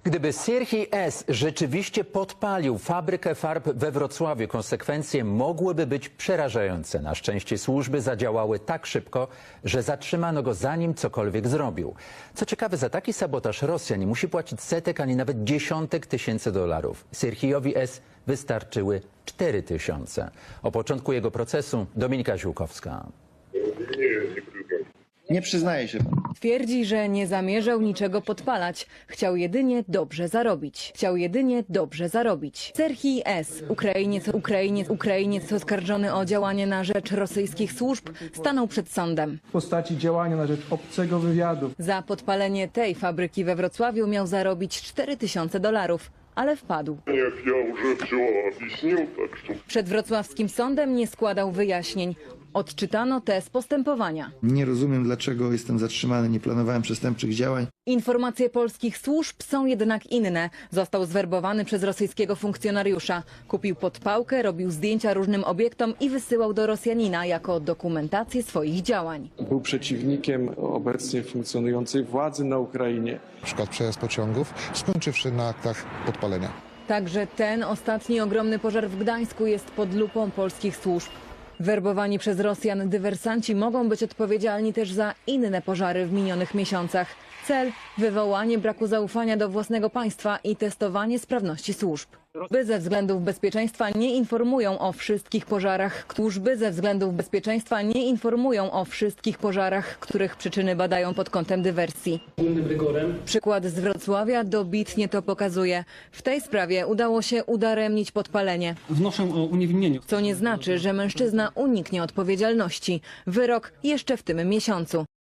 Gdyby Sierhii S. rzeczywiście podpalił fabrykę farb we Wrocławiu, konsekwencje mogłyby być przerażające. Na szczęście służby zadziałały tak szybko, że zatrzymano go zanim cokolwiek zrobił. Co ciekawe, za taki sabotaż Rosjan nie musi płacić setek ani nawet dziesiątek tysięcy dolarów. Sierhiowi S. wystarczyły 4000. O początku jego procesu Dominika Ziółkowska. Nie przyznaje się pan. Twierdzi, że nie zamierzał niczego podpalać. Chciał jedynie dobrze zarobić. Serhij S., Ukrainiec oskarżony o działanie na rzecz rosyjskich służb, stanął przed sądem. W postaci działania na rzecz obcego wywiadu. Za podpalenie tej fabryki we Wrocławiu miał zarobić 4000 dolarów. Ale wpadł. Przed wrocławskim sądem nie składał wyjaśnień. Odczytano tez postępowania. Nie rozumiem, dlaczego jestem zatrzymany. Nie planowałem przestępczych działań. Informacje polskich służb są jednak inne. Został zwerbowany przez rosyjskiego funkcjonariusza. Kupił podpałkę, robił zdjęcia różnym obiektom i wysyłał do Rosjanina jako dokumentację swoich działań. Był przeciwnikiem obecnie funkcjonującej władzy na Ukrainie. Na przykład przejazd pociągów, skończywszy na aktach podpalenia. Także ten ostatni ogromny pożar w Gdańsku jest pod lupą polskich służb. Werbowani przez Rosjan dywersanci mogą być odpowiedzialni też za inne pożary w minionych miesiącach. Cel – wywołanie braku zaufania do własnego państwa i testowanie sprawności służb. Służby ze względów bezpieczeństwa nie informują o wszystkich pożarach, których przyczyny badają pod kątem dywersji. Przykład z Wrocławia dobitnie to pokazuje. W tej sprawie udało się udaremnić podpalenie. Wnoszę o uniewinnienie. Co nie znaczy, że mężczyzna uniknie odpowiedzialności. Wyrok jeszcze w tym miesiącu.